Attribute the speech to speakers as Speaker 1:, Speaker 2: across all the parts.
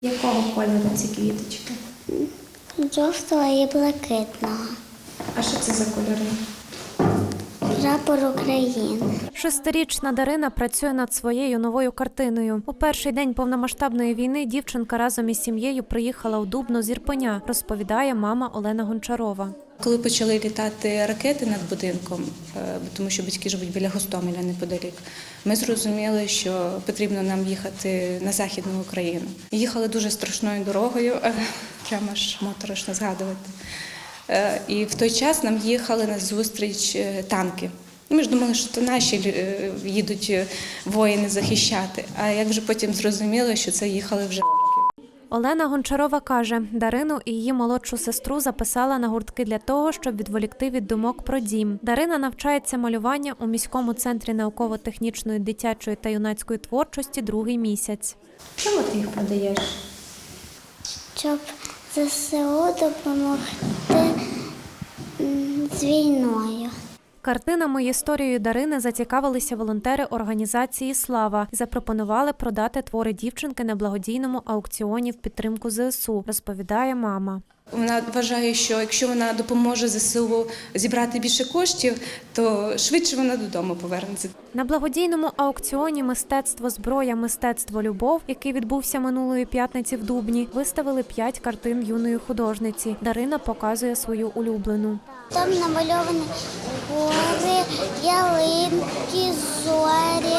Speaker 1: Якого кольору ці квіточки?
Speaker 2: Жовтого і блакитного.
Speaker 1: А що це за кольори?
Speaker 2: Прапор України.
Speaker 3: 6-річна Дарина працює над своєю новою картиною. У перший день повномасштабної війни дівчинка разом із сім'єю приїхала у Дубно з Ірпеня, розповідає мама Олена Гончарова.
Speaker 4: Коли почали літати ракети над будинком, тому що батьки живуть біля Гостомеля неподалік, ми зрозуміли, що потрібно нам їхати на Західну Україну. Їхали дуже страшною дорогою, прямо аж моторошно згадувати. І в той час нам їхали на зустріч танки. Ми ж думали, що то наші їдуть воїни захищати, а як вже потім зрозуміли, що це їхали вже.
Speaker 3: Олена Гончарова каже, Дарину і її молодшу сестру записала на гуртки для того, щоб відволікти від думок про дім. Дарина навчається малювання у міському центрі науково-технічної дитячої та юнацької творчості другий місяць.
Speaker 1: Чому ти їх продаєш?
Speaker 2: Щоб ЗСУ допомогти з війною.
Speaker 3: Картинами і історією Дарини зацікавилися волонтери організації «Слава» і запропонували продати твори дівчинки на благодійному аукціоні в підтримку ЗСУ, розповідає мама.
Speaker 4: Вона вважає, що якщо вона допоможе ЗСУ зібрати більше коштів, то швидше вона додому повернеться.
Speaker 3: На благодійному аукціоні «Мистецтво зброя, мистецтво любов», який відбувся минулої п'ятниці в Дубні, виставили 5 картин юної художниці. Дарина показує свою улюблену.
Speaker 2: Там намальовані гори, ялинки, зорі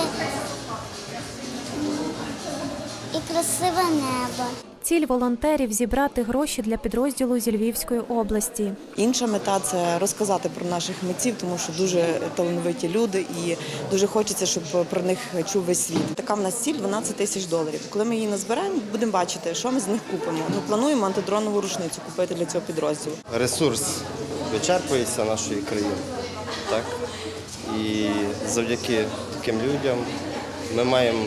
Speaker 2: і красиве небо.
Speaker 3: Ціль волонтерів – зібрати гроші для підрозділу зі Львівської області.
Speaker 5: Інша мета – це розказати про наших митців, тому що дуже талановиті люди і дуже хочеться, щоб про них чув весь світ. Така в нас ціль – $12 тисяч. Коли ми її назберемо, будемо бачити, що ми з них купимо. Ми плануємо антидронову рушницю купити для цього підрозділу.
Speaker 6: Ресурс вичерпується нашої країни, так? І завдяки таким людям ми маємо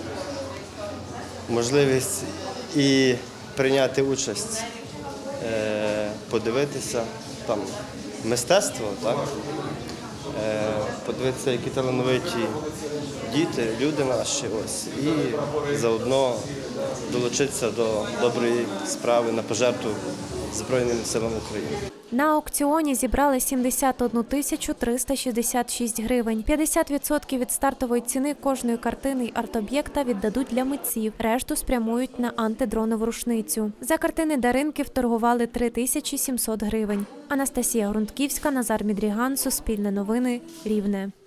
Speaker 6: можливість і прийняти участь, подивитися там мистецтво, так? Подивитися, які талановиті діти, люди наші, ось, і заодно долучитися до доброї справи на пожертву Збройним силам України.
Speaker 3: На аукціоні зібрали 71 тисячу 366 гривень. 50% від стартової ціни кожної картини й арт-об'єкта віддадуть для митців. Решту спрямують на антидронову рушницю. За картини Даринки вторгували 3700 гривень. Анастасія Грунтківська, Назар Мідріган, Суспільне новини, Рівне.